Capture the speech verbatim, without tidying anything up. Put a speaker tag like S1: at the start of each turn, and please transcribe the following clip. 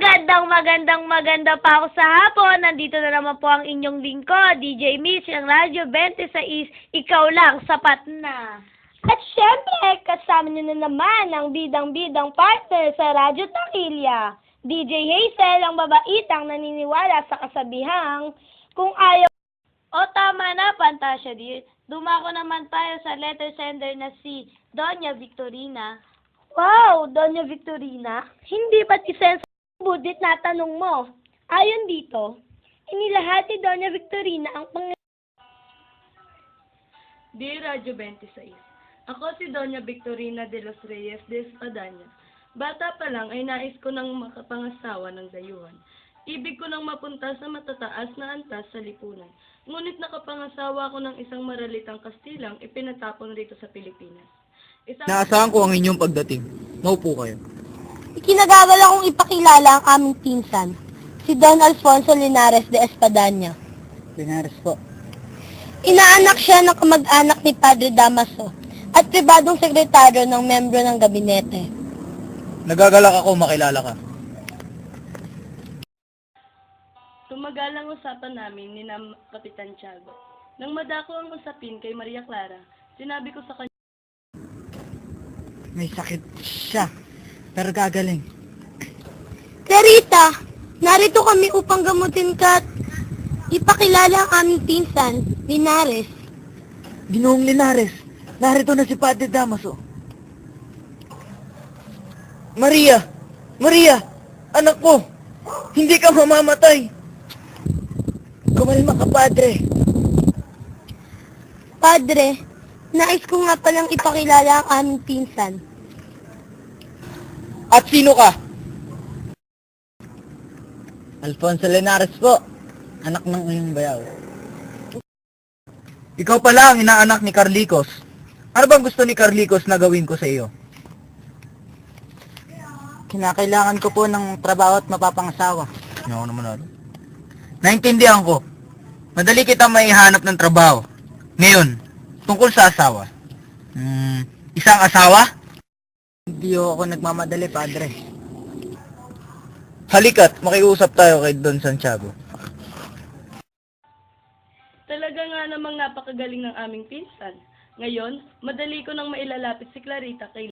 S1: Magandang magandang maganda pa ako sa hapon. Nandito na naman po ang inyong lingkod, D J Mitch, ang Radyo twenty-six, ikaw lang, sapat na. At syempre, kasama niyo na naman ang bidang-bidang partner sa Radyo Takilya, D J Hazel, ang babaitang naniniwala sa kasabihang, kung ayaw. O tama na, Pantasya dear. Dumako naman tayo sa letter sender na si Doña Victorina. Wow, Doña Victorina, hindi ba't isensya ang budget na tanong mo? Ayon dito, inilahati Doña Victorina ang pang...
S2: Dear Radyo twenty-six, ako si Doña Victorina de los Reyes de Espadaña. Bata pa lang ay nais ko nang makapangasawa ng dayuhan. Ibig ko nang mapunta sa matataas na antas sa lipunan. Ngunit nakapangasawa ko ng isang maralitang Kastilang ipinatapon rito sa Pilipinas. Isang...
S3: Naasahan ko ang inyong pagdating. Maupo kayo.
S4: Ikinagagala kong ipakilala ang aming pinsan, si Don Alfonso Linares de Espadaña.
S3: Linares po.
S4: Inaanak siya ng kamag-anak ni Padre Damaso at pribadong sekretaryo ng membro ng gabinete.
S3: Nagagalak ako makilala ka.
S2: Tumagalang usapan namin ni Nam Kapitan Tiago. Nang madako ang usapin kay Maria Clara, sinabi ko sa kanya,
S3: May sakit siya, pero gagaling.
S4: Clarita, narito kami upang gamutin ka at ipakilala ang aming pinsan, Linares.
S3: Ginoong Linares, narito na si Padre Damaso. Maria! Maria! Anak ko! Hindi ka mamamatay! Kumalma ka, Padre.
S4: Padre, nais ko nga palang ipakilala ang aming pinsan.
S3: At sino ka? Alfonso Linares po, anak ng iyong bayaw. Ikaw pala ang inaanak ni Carlicos. Ano bang gusto ni Carlicos na gawin ko sa iyo? Kinakailangan ko po ng trabaho at mapapangasawa. Ano naman ano? Naintindihan ko. Madali kita maihanap ng trabaho. Ngayon, tungkol sa asawa. Hmm, isang asawa? Hindi ako nagmamadali, Padre. Halika't, makiusap tayo kay Don Santiago.
S2: talaga nga namang napakagaling ng aming pinsan. Ngayon, madali ko nang mailalapit si Clarita kay